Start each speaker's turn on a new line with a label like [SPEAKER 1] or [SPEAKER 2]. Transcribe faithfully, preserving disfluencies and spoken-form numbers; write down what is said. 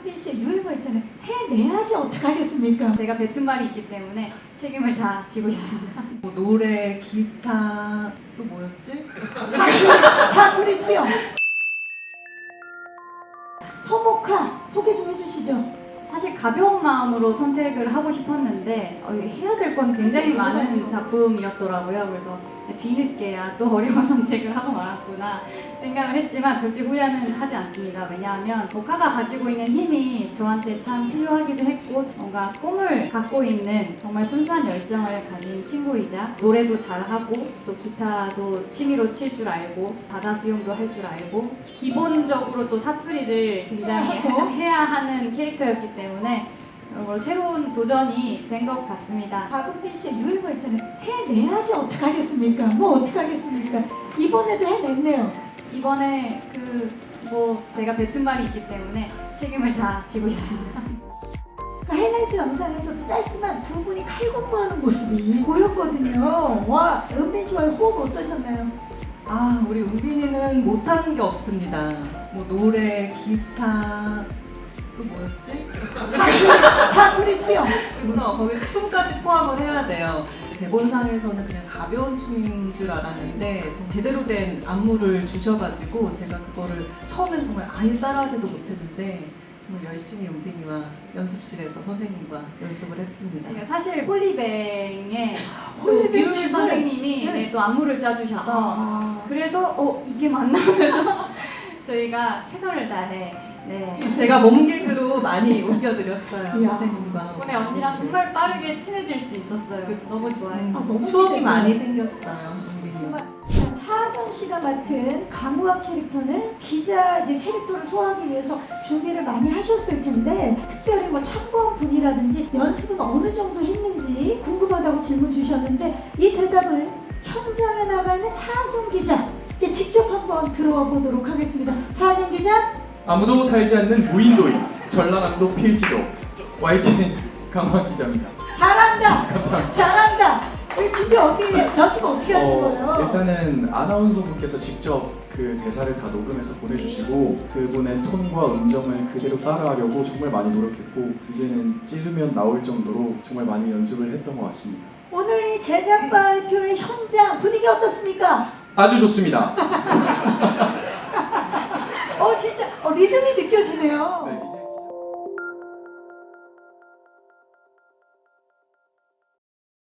[SPEAKER 1] 은빈 씨의 유행어 있잖아요. 해내야지 어떡하겠습니까?
[SPEAKER 2] 제가 뱉은 말이 있기 때문에 책임을 다 지고 있습니다.
[SPEAKER 3] 뭐 노래, 기타, 또 뭐였지?
[SPEAKER 1] 사투리 수영. 서목화 소개 좀 해주시죠.
[SPEAKER 2] 사실 가벼운 마음으로 선택을 하고 싶었는데 어, 해야 될 건 굉장히 많은
[SPEAKER 1] 맞죠.
[SPEAKER 2] 작품이었더라고요. 그래서 뒤늦게야 또 어려운 선택을 하고 말았구나 생각을 했지만 절대 후회는 하지 않습니다. 왜냐하면 모카가 가지고 있는 힘이 저한테 참 필요하기도 했고 뭔가 꿈을 갖고 있는 정말 순수한 열정을 가진 친구이자 노래도 잘하고 또 기타도 취미로 칠 줄 알고 바다 수영도 할 줄 알고 기본적으로 또 사투리를 굉장히 해야 하는 캐릭터였기 때문에 어, 새로운 도전이 된 것 같습니다.
[SPEAKER 1] 박은빈 씨의 유행어 있잖아요. 해내야지 어떡하겠습니까? 뭐 어떡하겠습니까? 이번에도 해냈네요.
[SPEAKER 2] 이번에 그 뭐 제가 뱉은 말이 있기 때문에 책임을 다 지고 있습니다.
[SPEAKER 1] 그 하이라이트 영상에서도 짧지만 두 분이 칼군무하는 모습이 보였거든요. 와, 은빈 씨와의 호흡 어떠셨나요?
[SPEAKER 3] 아, 우리 은빈이는 못하는 게 없습니다. 뭐 노래, 기타, 또 뭐였지?
[SPEAKER 1] 사투리 수영.
[SPEAKER 3] 그래서 거기 춤까지 포함을 해야 돼요. 대본상에서는 그냥 가벼운 춤인 줄 알았는데 제대로 된 안무를 주셔가지고 제가 그거를 처음엔 정말 아예 따라하지도 못했는데 정말 열심히 은빈이와 연습실에서 선생님과 연습을 했습니다.
[SPEAKER 2] 그러니까 사실 홀리뱅의
[SPEAKER 1] 홀리뱅
[SPEAKER 2] 뮤율
[SPEAKER 1] 춤을?
[SPEAKER 2] 선생님이
[SPEAKER 1] 네.
[SPEAKER 2] 네, 또 안무를 짜주셔서
[SPEAKER 1] 아,
[SPEAKER 2] 그래서 어 이게 맞나 하면서 저희가 최선을 다해 네.
[SPEAKER 3] 제가 몸개그로 많이 웃겨드렸어요.
[SPEAKER 1] 이야.
[SPEAKER 3] 선생님과.
[SPEAKER 2] 덕분에 언니랑 정말 빠르게 친해질 수 있었어요. 너무 좋아요.
[SPEAKER 3] 음,
[SPEAKER 1] 아, 너무
[SPEAKER 3] 추억이
[SPEAKER 1] 기대돼요.
[SPEAKER 3] 많이 생겼어요. 은빈이와.
[SPEAKER 1] 정말 자, 차하경 씨가 맡은 강우학 캐릭터는 기자 이제 캐릭터를 소화하기 위해서 준비를 많이 하셨을 텐데 특별히 뭐 참고한 분이라든지 연습은 어느 정도 했는지 궁금하다고 질문 주셨는데 이 대답을 현장에 나가 있는 차하경 기자께 직접 한번 들어와 보도록 하겠습니다. 차하경 기자.
[SPEAKER 4] 아무도 살지 않는 무인도인 전라남도 필지도 와이지엔 강원 기자입니다.
[SPEAKER 1] 잘한다.
[SPEAKER 4] 감사합니다.
[SPEAKER 1] 잘한다. 이 준비 어떻게 연습 어떻게 하신 거예요?
[SPEAKER 4] 어, 일단은 아나운서분께서 직접 그 대사를 다 녹음해서 보내주시고 그분의 톤과 음정을 그대로 따라하려고 정말 많이 노력했고 이제는 찌르면 나올 정도로 정말 많이 연습을 했던 것 같습니다.
[SPEAKER 1] 오늘 이 제작 발표의 현장 분위기 어떻습니까?
[SPEAKER 4] 아주 좋습니다.
[SPEAKER 1] 어 진짜 어, 리듬이 느껴지네요.